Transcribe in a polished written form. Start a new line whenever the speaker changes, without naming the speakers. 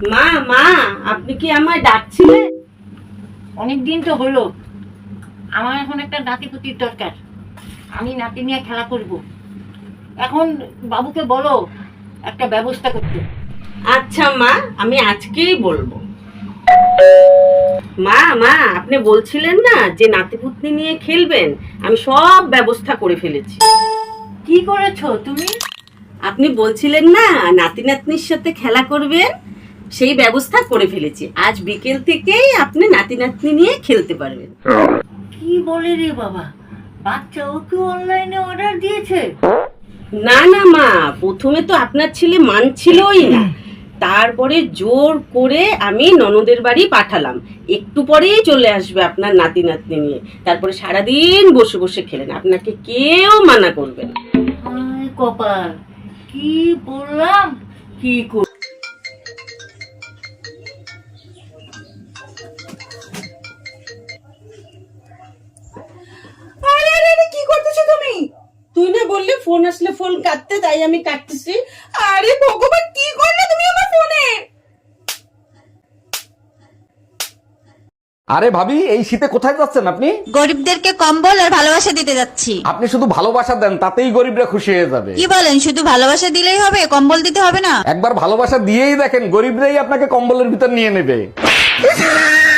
মা মা, আপনি কি আমায় ডাকছিলেন?
অনেক দিন তো হলো। আমার এখন একটা নাতিপুতির দরকার। আমি নাতি নিয়ে খেলা করব। এখন বাবুকে বলো একটা ব্যবস্থা করতে।
আচ্ছা মা, আমি আজকেই বলবো। মা মা, আপনি বলছিলেন না যে নাতিপুতনি নিয়ে খেলবেন, আমি সব ব্যবস্থা করে ফেলেছি।
কি করেছো তুমি?
আপনি বলছিলেন না নাতি নাতনির সাথে খেলা করবেন, সেই ব্যবস্থা করে ফেলেছি। আজ বিকেল থেকেই আপনি নাতি নাতনি নিয়ে খেলতে পারবেন।
কি বলে রে বাবা, বাচ্চা ওকে অনলাইনে অর্ডার দিয়েছে?
না না মা, প্রথমে তো আপনার ছেলে মানছিলই না, তারপরে জোর করে আমি ননদের বাড়ি পাঠালাম। একটু পরেই চলে আসবে আপনার নাতি নাতনি নিয়ে, তারপরে সারাদিন বসে বসে খেলেন, আপনাকে কেউ মানা করবে না।
হায় কপাল, কি বললাম কি কর।
আরে আরে আরে, কি করতেছো তুমি? তুই না বললি ফোন আসলে ফোন কাটতে, তাই আমি কাটতেছি। আরে ভগবান, কি করলে তুমি আমার ফোনে?
আরে ভাবি, এই শীতে কোথায় যাচ্ছেন আপনি?
গরিবদেরকে কম্বল আর ভালোবাসা দিতে যাচ্ছি।
আপনি শুধু ভালোবাসা দেন, তাতেই গরিবরা খুশি হয়ে যাবে।
কি বলেন, শুধু ভালোবাসা দিলেই হবে, কম্বল দিতে হবে না?
একবার ভালোবাসা দিয়েই দেখেন, গরিবরাই আপনাকে কম্বলের ভিতর নিয়ে নেবে।